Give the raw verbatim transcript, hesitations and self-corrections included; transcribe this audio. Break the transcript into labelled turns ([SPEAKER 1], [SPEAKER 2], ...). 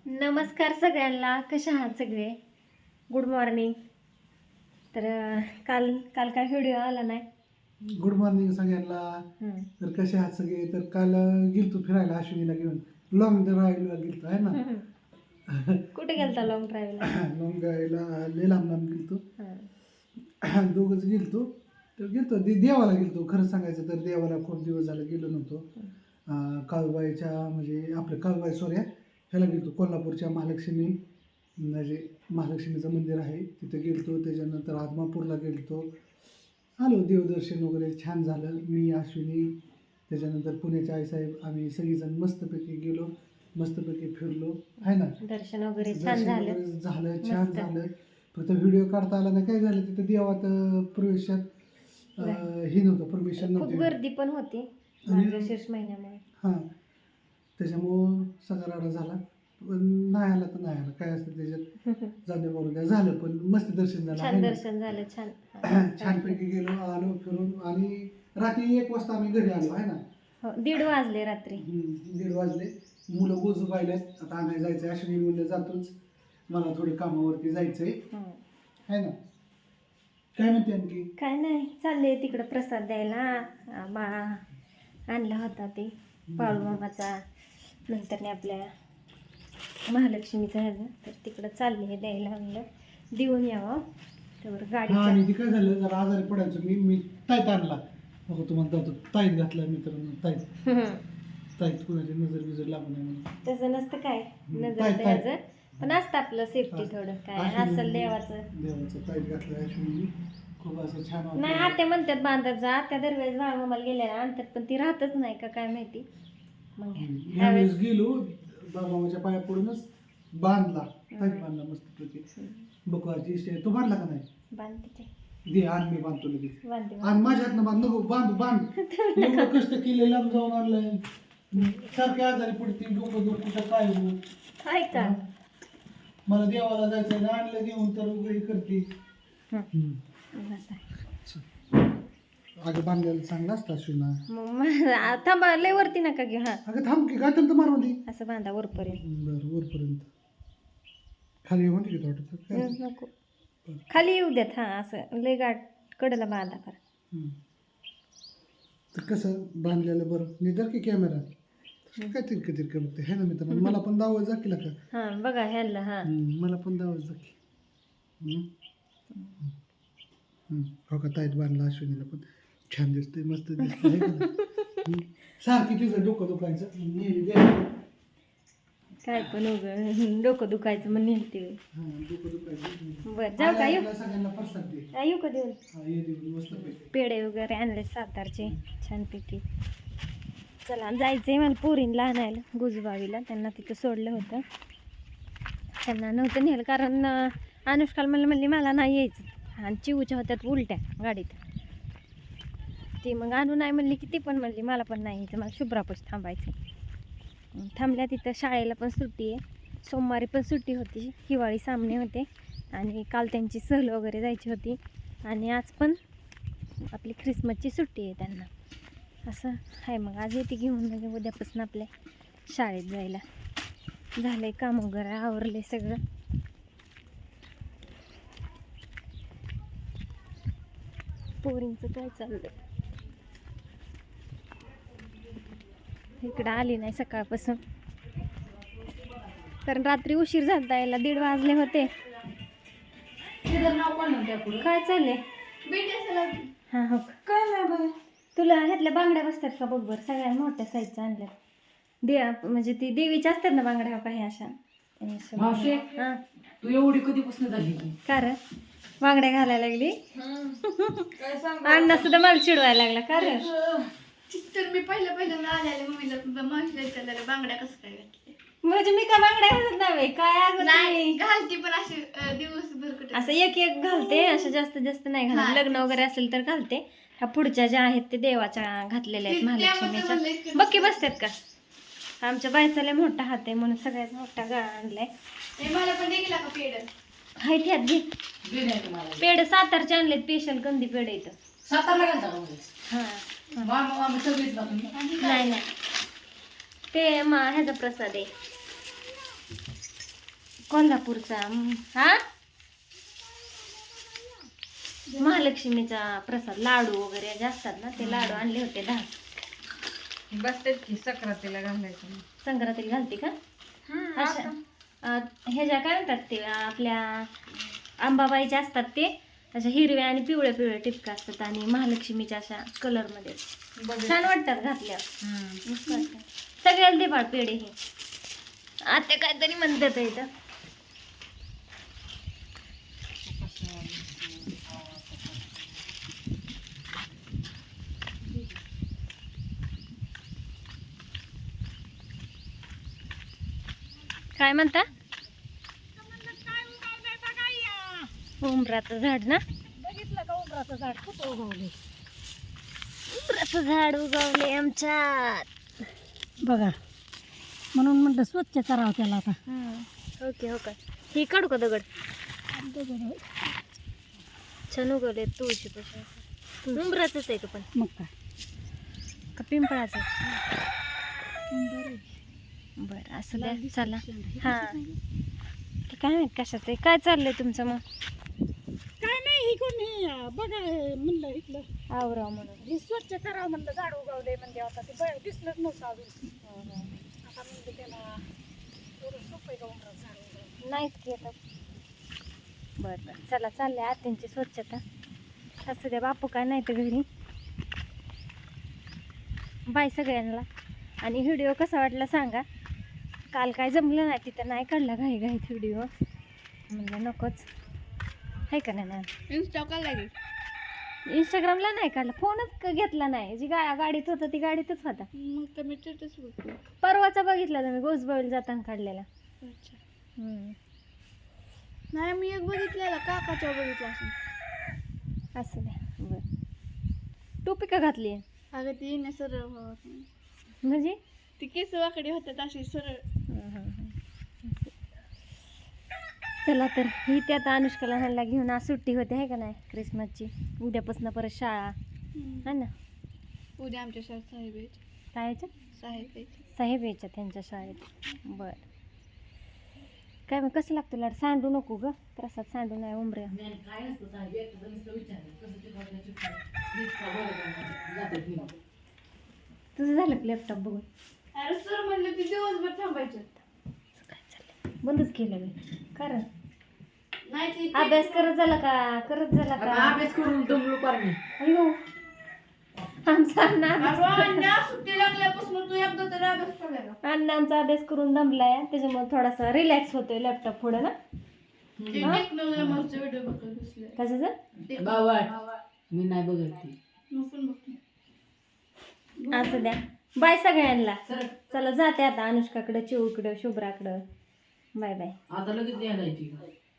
[SPEAKER 1] नमस्कार सगळ्यांना, कशा आहात सगळे? Good morning. तर अं, काल काल काय व्हिडिओ आला नाही.
[SPEAKER 2] गुड मॉर्निंग सगळ्यांना.
[SPEAKER 1] हम्म.
[SPEAKER 2] तर कसे आहात सगळे? तर काल गेलतो फिरायला अश्विनीला घेऊन, लॉंग ड्राईव्हला गेलतो आहे ना.
[SPEAKER 1] कुठे गेलता लॉंग ड्राईव्हला?
[SPEAKER 2] लॉंग ड्राईव्हला लय लांब लांब गेलतो, दोघंच गेलतो. तर गेलतो दे देवाला गेलतो. खरं सांगायचं तर देवाला खूप दिवस झाले गेलो नव्हतो. अं, काळूबाईच्या म्हणजे आपलं काळूबाई सोऱ्या ह्याला गेलतो, कोल्हापूरच्या महालक्ष्मी म्हणजे महालक्ष्मीचं मंदिर आहे तिथे गेलतो. त्याच्यानंतर आदमापूरला गेलतो, आलो. देवदर्शन वगैरे छान झालं. मी, अश्विनी, त्याच्यानंतर पुण्याचे आईसाहेब, आम्ही सगळीजण मस्तपैकी गेलो, मस्तपैकी फिरलो आहे ना.
[SPEAKER 1] दर्शन वगैरे छान
[SPEAKER 2] दर्शन
[SPEAKER 1] झालं.
[SPEAKER 2] वगैरे झालं, छान
[SPEAKER 1] मस्त.
[SPEAKER 2] झालं. फक्त व्हिडिओ काढता आला नाही. काय झालं तिथं देवात अं, प्रवेशात अं, हे नव्हतं, परमिशन
[SPEAKER 1] खूप
[SPEAKER 2] नव्हती.
[SPEAKER 1] गर्दी पण होती मार्गशीर्ष महिन्यामुळे.
[SPEAKER 2] हां, त्याच्यामुळं सगळा राडा झाला. पण नाही आला तर नाही आला, काय असतं त्याच्यात, जाऊ दे बरोबर काय झालं. पण मस्त दर्शन झालं आहे
[SPEAKER 1] छान
[SPEAKER 2] ना.
[SPEAKER 1] दर्शन झालं. छान
[SPEAKER 2] छानपैकी गेलो, आलो फिरून. आणि रात्री एक वाजता आम्ही घरी आलो आहे ना.
[SPEAKER 1] हो, दीड वाजले रात्री.
[SPEAKER 2] हम्म, दीड वाजले. मुलं गोजू पाहिल्यात, आता आणायला जायचं. अश्विनी म्हणलं जातोच, मला थोडी कामावरती जायचंय
[SPEAKER 1] हम्म.
[SPEAKER 2] आहे ना. काय म्हणते आणखी?
[SPEAKER 1] काय नाही, चालले तिकडं प्रसाद द्यायला. आ, बा आणला होता ते बाळूमामाचा, नंतर आपल्या महालक्ष्मीचा ह्याचा, तर तिकडं चालले हे द्यायला. म्हणलं देऊन यावं त्यावर
[SPEAKER 2] हा,
[SPEAKER 1] गाडीच्या.
[SPEAKER 2] आणि ती काय झालं, जरा आजारी पडायचं. मी मी ताईत आणला, बघा तुम्हाला जातो ताईत घातला मित्रांनो. ताईत ताईत कुणाची नजर बिजर लागू नये म्हणून.
[SPEAKER 1] तसं नसतं काय नजर
[SPEAKER 2] ताईत ताईत
[SPEAKER 1] द्यायचं, पण असतं आपलं सेफ्टी थोडं काय असेल देवाचं.
[SPEAKER 2] देवाचं ताईत घातलं अश्विनी, खूप असं छान वाटलं.
[SPEAKER 1] नाही, आत्या म्हणतात बांधत जा. त्या दरवेळेस बाळूमामाला गेल्या आणतात, पण ती राहतच नाही का काय माहिती. मग
[SPEAKER 2] ह्यावेळेस गेलो, बाबाच्या पाया पडूनच बांधला, ताईत बांधला मस्तपैकी. बकवाची इष्ट आहे. तो बांधला का नाही?
[SPEAKER 1] बांधते ते.
[SPEAKER 2] दे, आण, मी बांधतो लगेच.
[SPEAKER 1] बांधते
[SPEAKER 2] आणि माझ्या हातनं बांध नको, बांध बांध. एवढं कष्ट केले, लांब जाऊन आणलंय. सारखे आजारी पडते, डोकं दुखतं काय हो.
[SPEAKER 1] आहे का?
[SPEAKER 2] मला देवाला जायचं ना, आणलं घेऊन तर वगैरे करते.
[SPEAKER 1] हं.
[SPEAKER 2] अगं बांधलेलं चांगलं असतं अश्विना.
[SPEAKER 1] मग मा- थांबा, लय वरती नका घेऊ. हा,
[SPEAKER 2] अगं थांब की, गाठन तर मारून दे.
[SPEAKER 1] असं बांधा वरपर्यंत.
[SPEAKER 2] बरं, वरपर्यंत खाली होते की थोडं काय.
[SPEAKER 1] हं, नको, खाली येऊ देत. हा, असं लय गाठ कडला बांधा करा.
[SPEAKER 2] हम्म. तर कसं बांधलेलं बरं. निदर की कॅमेरा काय तिरकं तिरकं बघते है ना मित्रांनो. मला पण दावत जा की का.
[SPEAKER 1] हा, बघा ह्याला. हा,
[SPEAKER 2] मला पण दावत जा की. हम्म. हम्म. हो का, ताईत बांधला अश्विनीला पण छान दिसते, मस्त दिसते. सारखी तिचं डोकं दुखायचं नेहमी द्यायचं.
[SPEAKER 1] काय पण उग डोकं दुखायचं म्हणून नेलते.
[SPEAKER 2] हा, डोकं दुखायचं.
[SPEAKER 1] बरं, जाऊ का? येऊ
[SPEAKER 2] सगळ्यांना प्रसाद दे.
[SPEAKER 1] हा, येऊ का देऊन?
[SPEAKER 2] हा, ये देऊन मस्तपैकी.
[SPEAKER 1] पेढे वगैरे आणले सातारचे छानपैकी. चला, जायचंय मला पोरींला आणायला गुजबावीला. त्यांना तिथं सोडलं होतं, त्यांना नव्हतं नेलं कारण अं, अनुष्काला म्हणलं म्हणली मला नाही यायचं, आणि चिवूच्या होत्यात उलट्या गाडीत. ती मग आणू नाही म्हणली की ती पण म्हणली मला पण नाही यायचं, मला शुभ्रापाशी थांबायचं. थांबल्या तिथं. शाळेला पण सुट्टी आहे, सोमवारी पण सुट्टी होती, हिवाळी सामने होते, आणि काल त्यांची सहल वगैरे जायची होती, आणि आज पण आपली ख्रिसमसची सुट्टी आहे त्यांना. असं आहे. मग आज येते घेऊन, म्हणजे उद्यापासून आपल्या शाळेत जायला. झालं आहे काम वगैरे, आवरले सगळं. पोरींचं काय चाललं? इकडं आली नाही सकाळपासून, कारण रात्री उशीर झाला यायला, दीड वाजले होते. काय चाललंय? हां, हो.
[SPEAKER 2] काय नाही बाय.
[SPEAKER 1] तुला ह्यातल्या बांगड्या बसतात का बघ बरं, सगळ्या मोठ्या साईजच्या आणल्या. दे म्हणजे ती देवीच्या असतात ना बांगड्या, हो का ह्या अशा. हां,
[SPEAKER 2] तू एवढी कधीपासून झाली?
[SPEAKER 1] कारण बांगड्या घालायला लागली. अण्णा सुद्धा मला चिडवायला लागला. कारण
[SPEAKER 3] तर मी पहिलं पहिल्यांदा आलेले मम्मीला माहिती विचारलेलं बांगड्या कसं काय घातले.
[SPEAKER 1] म्हणजे मी काय बांगड्या घालत नाही काय अगं
[SPEAKER 3] नाही
[SPEAKER 1] तुम्ही?
[SPEAKER 3] घालती पण अशी अं, दिवसभर कुठे
[SPEAKER 1] असं एक एक घालते, असं जास्तीत जास्त नाही घालत.
[SPEAKER 3] हा.
[SPEAKER 1] लग्न वगैरे असेल तर घालते. ह्या पुढच्या ज्या आहेत ते देवाच्या घातलेल्या आहेत,
[SPEAKER 3] ते- त्यामध्ये
[SPEAKER 1] महालक्ष्मीच्या.
[SPEAKER 3] म्हणलं इतकं
[SPEAKER 1] बक्की बसतात का? आमच्या बायचा लय मोठा हात आहे म्हणून सगळ्यात मोठा गळा आणलाय.
[SPEAKER 3] हे मला पण देखील का पेड
[SPEAKER 1] हाय त्यात घे. पेढे सातारचे आणलेत, स्पेशल कंदी पेढे इथं.
[SPEAKER 4] सातारला गेलता का मग?
[SPEAKER 1] हा,
[SPEAKER 4] मामा मामा सगळीच ना तुम्ही?
[SPEAKER 1] नाही नाही, ते मा ह्याचा प्रसाद आहे.
[SPEAKER 3] आणि काय?
[SPEAKER 1] हम्म.
[SPEAKER 3] आणि काय?
[SPEAKER 1] हम्म. कोल्हापूरचा हम्म, हा महालक्ष्मीचा प्रसाद लाडू वगैरे जे असतात ना ते लाडू आणले होते दहा.
[SPEAKER 5] बसतेच की सक्रातीला घालायचं.
[SPEAKER 1] संक्रांतीला घालते का अशा अं, ह्याच्या काय म्हणतात ते अं, आपल्या आंबाबाईच्या असतात ते अशा हिरव्या आणि पिवळ्या पिवळ्या टिपका असतात आणि महालक्ष्मीच्या अशा कलरमध्ये छान वाटतात घातल्यावर. मस्त वाटतात. सगळ्याला दे बाळ पेढे हे आता काहीतरी म्हणतात इथं. काय म्हणता उमराचं झाड ना
[SPEAKER 4] बघितलं का उमराचं झाड खूप उगवले
[SPEAKER 1] उमराचं झाड उगवले आमच्यात.
[SPEAKER 4] बघा म्हणून म्हटलं स्वच्छ करावं त्याला आता.
[SPEAKER 1] ओके हो का ही काढू का दगड छान उगवले तुळशी पासून. उमराचंच आहे का पण
[SPEAKER 4] मग काय
[SPEAKER 1] का पिंपळाचं. बरं असं द्या चला. हां ते काय माहित कशाचं आहे काय चाललंय तुमचं मग.
[SPEAKER 4] काय नाही ही कोणी बघा म्हणलं इथलं
[SPEAKER 1] आवराव म्हणून.
[SPEAKER 4] हे स्वच्छ करावं म्हणलं झाड उगवले म्हणजे आता ते बघ दिसलंच नव्हतं अजून. आता म्हणजे त्याला थोडं सोपं आहे का उमराचं झाड उगवलं.
[SPEAKER 1] नाहीच की आता. बरं बरं चला चाललंय आत्यांची स्वच्छता. असं द्या बापू काय नाही तर घरी. बाय सगळ्यांना. आणि व्हिडिओ कसा वाटला सांगा. काल काय जमलं नाही तिथं नाही काढला घाई घाईत व्हिडिओ म्हणजे नकोच आहे का नाही मॅम.
[SPEAKER 3] इन्स्टा का लागेल
[SPEAKER 1] इंस्टाग्रामला नाही काढला फोनच क- घेतला नाही. जी गा गाडीत होता ती गाडीतच होता.
[SPEAKER 3] मग तर मी स्टेटस बघतो.
[SPEAKER 1] परवाचा बघितला तुम्ही गोसबावीला जाताना काढलेला.
[SPEAKER 3] अच्छा
[SPEAKER 1] हम्म.
[SPEAKER 3] नाही मी एक बघितलेला काकाच्या बघितला असं.
[SPEAKER 1] असं द्या बरं. टोपी का घातली आहे
[SPEAKER 3] अगं ती येण्या सरळ व्हावं.
[SPEAKER 1] म्हणजे
[SPEAKER 3] ती केस वाकडे होतात अशी सरळ.
[SPEAKER 1] चला तर ही त्या आता अनुष्काला ह्याला घेऊन आज सुट्टी होते आहे का नाही क्रिसमसची. उद्यापासून परत शाळा है ना.
[SPEAKER 3] उद्या आमच्या शाळेत साहेब यायचे.
[SPEAKER 1] शाळेच्या
[SPEAKER 3] साहेब यायचे.
[SPEAKER 1] साहेब यायच्या त्यांच्या शाळेत. बरं काय मग कसं लागतं लाड सांडू नको ग प्रसाद सांडू नाही उमऱ्या. तुझं झालं लॅपटॉप बघून.
[SPEAKER 3] अरे सर म्हणलं की दिवसभर थांबायचं.
[SPEAKER 1] काय चाललंय बंदच केलं मी कारण
[SPEAKER 3] नाही ते
[SPEAKER 1] अभ्यास करत झाला का करत झाला का
[SPEAKER 5] अभ्यास करून दमलो पार मी.
[SPEAKER 1] अयो आमचा अण्णा अभ्यास-
[SPEAKER 3] अण्णा सुट्टी लागल्यापासून तू एकदा तर अभ्यास केला का?
[SPEAKER 1] अण्णा आमचा अभ्यास करून दमलाय त्याच्यामुळे थोडासा रिलॅक्स होतोय लॅपटॉप पुढे ना.
[SPEAKER 3] ते टेक्नॉलॉजी व्हिडिओ बघत बसले.
[SPEAKER 1] कशाचं
[SPEAKER 5] बाबा मी नाही बघत ती.
[SPEAKER 3] मी पण बघते.
[SPEAKER 1] असं द्या. बाय सगळ्यांना.
[SPEAKER 5] सर
[SPEAKER 1] चला जाते आता अनुष्काकडं चिऊकडं शुभ्राकडं. Bye bye.
[SPEAKER 5] आता लगेच द्यायला जायची.